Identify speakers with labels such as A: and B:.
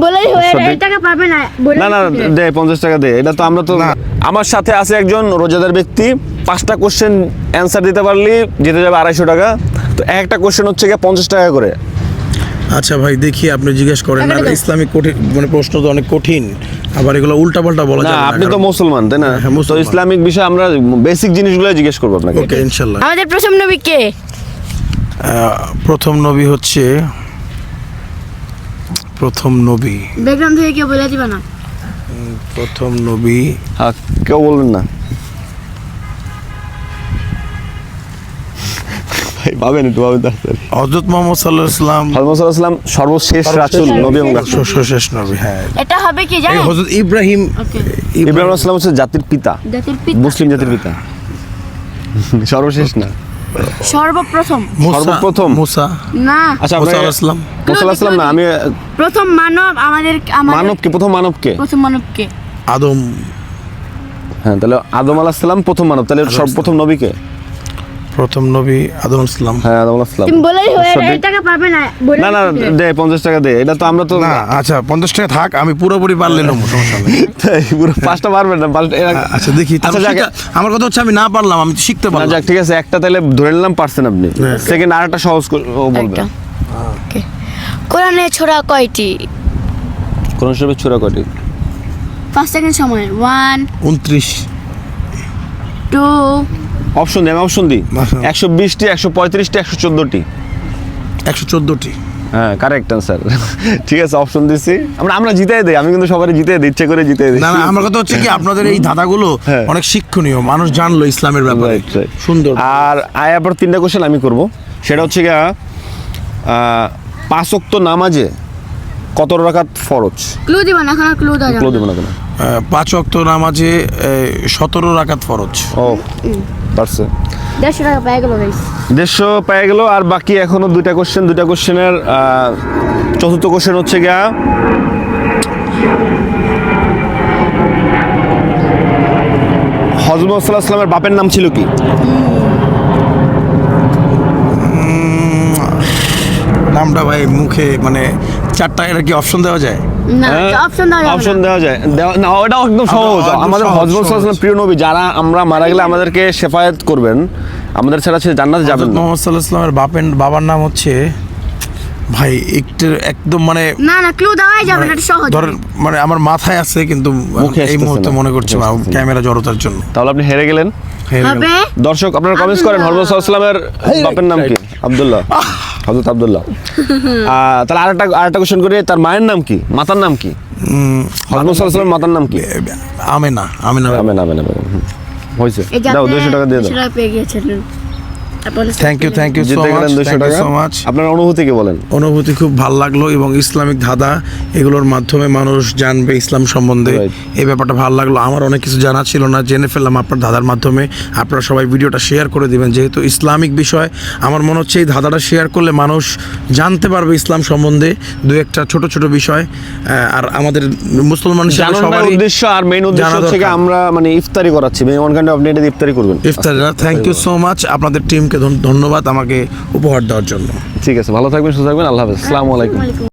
A: বলেই এই টাকা পাবে না।
B: না না দে 50 টাকা দে, এটা তো আমরা তো আমার সাথে আছে একজন রোজাদার ব্যক্তি, 5টা কোশ্চেন অ্যান্সার দিতে পারলি জিতে যাবে 250 টাকা। তো একটা কোশ্চেন হচ্ছে গিয়ে 50 টাকা করে।
C: আচ্ছা ভাই দেখি আপনি জিজ্ঞেস করেন। আর ইসলামিক কঠিন মানে প্রশ্ন তো অনেক কঠিন, আবার এগুলো উল্টাপাল্টা বলা যাবে না।
B: আপনি তো মুসলমান তাই না?
C: হ্যাঁ,
B: তো ইসলামিক বিষয়ে আমরা বেসিক জিনিসগুলো জিজ্ঞেস করব আপনাকে।
C: ওকে ইনশাআল্লাহ।
A: আমাদের প্রথম নবী কে?
C: প্রথম নবী হচ্ছে
A: ব্যাকগ্রাউন্ড থেকে কেউ বলে দিবা না।
C: প্রথম নবী
B: হ্যাঁ কেউ বলবেন না ভাই, ভাবেন একটু, ভাবেন তাড়াতাড়ি।
C: হযরত মুহাম্মদ সাল্লাল্লাহু আলাইহি ওয়াসাল্লাম
B: সর্বশেষ রাসূল নবী এবং রাসূল।
C: সর্বশেষ নবী। হ্যাঁ
A: এটা হবে কি জানেন?
C: হযরত ইব্রাহিম।
A: ওকে,
B: ইব্রাহিম আলাইহিস সালাম হচ্ছে জাতির পিতা, মুসলিম জাতির পিতা। সর্বশেষ না,
A: সর্বপ্রথম।
B: সর্বপ্রথম
C: মুসা।
A: না
B: আচ্ছা
C: মুসা আলাইহিস সালাম।
B: মুসা আলাইহিস সালাম না, আমি
A: প্রথম মানব আমাদের
B: মানবকে, প্রথম মানবকে,
A: প্রথম মানবকে
C: আদম।
B: হ্যাঁ তাহলে আদম আলাইহিস সালাম প্রথম মানব, তাহলে সর্বপ্রথম নবীকে?
C: প্রথম নবী আদম আলাইহিস সালাম।
B: হ্যাঁ আদম আলাইহিস সালাম।
A: তুমি বলেই এই টাকা পাবে না।
B: না না দে 50 টাকা দে, এটা তো আমরা তো
C: না আচ্ছা 50 টাকা থাক, আমি পুরোপুরি পারলে নেব, সমস্যা নেই।
B: তাই পুরো 5টা পারবেন না?
C: আচ্ছা দেখি। আমার কথা হচ্ছে আমি না পারলাম, আমি তো শিখতে
B: না
C: পারলাম।
B: যাক ঠিক আছে, একটা তাহলে ধরে নিলাম পারছেন আপনি। সেকেন্ড আরেকটা সহজ বলবেন।
A: ওকে, কোরআনে সূরা কয়টি?
B: কোন শরীফের সূরা কয়টি?
A: 5 সেকেন্ড সময়। 1
C: 29।
A: 2
B: অপশন দিই, আমি অপশন দিই। 120টি, 135টি, 114টি।
C: 114টি।
B: হ্যাঁ কারেক্ট অ্যান্সার। ঠিক আছে অপশন দিছি আমরা জিতাই দেই, আমি কিন্তু সবারই জিতাই দিই, ইচ্ছে করে জিতাই দিই।
C: না না আমার কথা হচ্ছে কি আপনাদের এই ধাঁধাগুলো অনেক শিক্ষণীয়, মানুষ জানলো ইসলামের ব্যাপারে। সুন্দর।
B: আর আবার 3টা কোশ্চেন আমি করব, সেটা হচ্ছে গিয়া 5 ওয়াক্ত নামাজে কত রাকাত ফরজ?
A: ক্লু দিবা না, এখন ক্লু দাও।
B: ক্লু দেব না কেন?
C: 5 ওয়াক্ত নামাজে 17 রাকাত ফরজ।
B: ও পারছে।
A: 150 টাকা পেয়ে গেল গাইস।
B: 150 পেয়ে গেল। আর বাকি এখনো 2টা কোশ্চেন, 2টা কোশ্চেনের চতুর্থ কোশ্চেন হচ্ছে গিয়া হযরত মুহাম্মদ সাল্লাল্লাহু আলাইহি ওয়াসাল্লামের বাপের নাম ছিল কি?
C: নামটা ভাই মুখে মানে 4টা, এটা কি অপশন দেওয়া যায়?
A: না অপশন দাও।
B: অপশন দেওয়া যায় না, ওটাও একদম সহজ। আমাদের হযরত মুহাম্মদ সাল্লাল্লাহু আলাইহি ওয়াসাল্লাম প্রিয় নবী, যারা আমরা মারা গেলে আমাদেরকে শেফায়েত করবেন, আমাদের ছাড়া সে জান্নাতে যাবেন না।
C: মুহাম্মদ সাল্লাল্লাহু আলাইহি ওয়াসাল্লামের বাবার নাম হচ্ছে ভাই একদম মানে
A: না না ক্লু দেওয়াই যাবে না, এটা সহজ।
C: ধরেন মানে আমার মাথায় আছে কিন্তু এই মুহূর্তে মনে করছে না, ক্যামেরা জড়তার জন্য।
B: তাহলে আপনি হেরে গেলেন।
A: হবে
B: দর্শক আপনারা কমেন্টস করেন হযরত মুহাম্মদ সাল্লাল্লাহু আলাইহি ওয়াসাল্লামের বাপের নাম কি? আব্দুল্লাহ, হযরত আব্দুল্লাহ। তাহলে আরেকটা কোশ্চেন করি, তার মায়ের নাম কি, মাতার নাম কি? হযরত মুহাম্মদ সাল্লাল্লাহু আলাইহি ওয়াসাল্লামের মাতার নাম কি?
C: আমেনা।
B: হয়েছে, দাও 200 টাকা দিয়ে দাও।
A: 200 টাকা পেয়ে গিয়েছেন।
C: Thank you so much.
B: আপনার অনুভূতি কি বলেন?
C: অনুভূতি খুব ভালো লাগলো, এবং ইসলামিক ধাঁধা এগুলোর মাধ্যমে মানুষ জানবে ইসলাম সম্বন্ধে, এই ব্যাপারটা ভালো লাগলো। আমার অনেক কিছু জানা ছিল না, জেনে ফেললাম আপনার ধাঁধার মাধ্যমে। আপনারা সবাই ভিডিওটা শেয়ার করে দিবেন, যেহেতু ইসলামিক বিষয়। আমার মনে হচ্ছে এই ধাঁধাটা শেয়ার করলে মানুষ জানতে পারবে ইসলাম সম্বন্ধে 2-1টা ছোট ছোট বিষয়। আর আমাদের মুসলমান
B: সবার উদ্দেশ্য আর মেইন উদ্দেশ্য হচ্ছে আমরা মানে ইফতারি করাচ্ছি, ওয়ান কাইন্ড অফ আপনি ইফতারি করবেন।
C: Thank you so much. আপনাদের টিমকে ধন্যবাদ আমাকে উপহার দেওয়ার জন্য।
B: ঠিক আছে, ভালো থাকবেন, সুস্থ থাকবেন, আল্লাহ হাফেজ, আসসালামু আলাইকুম।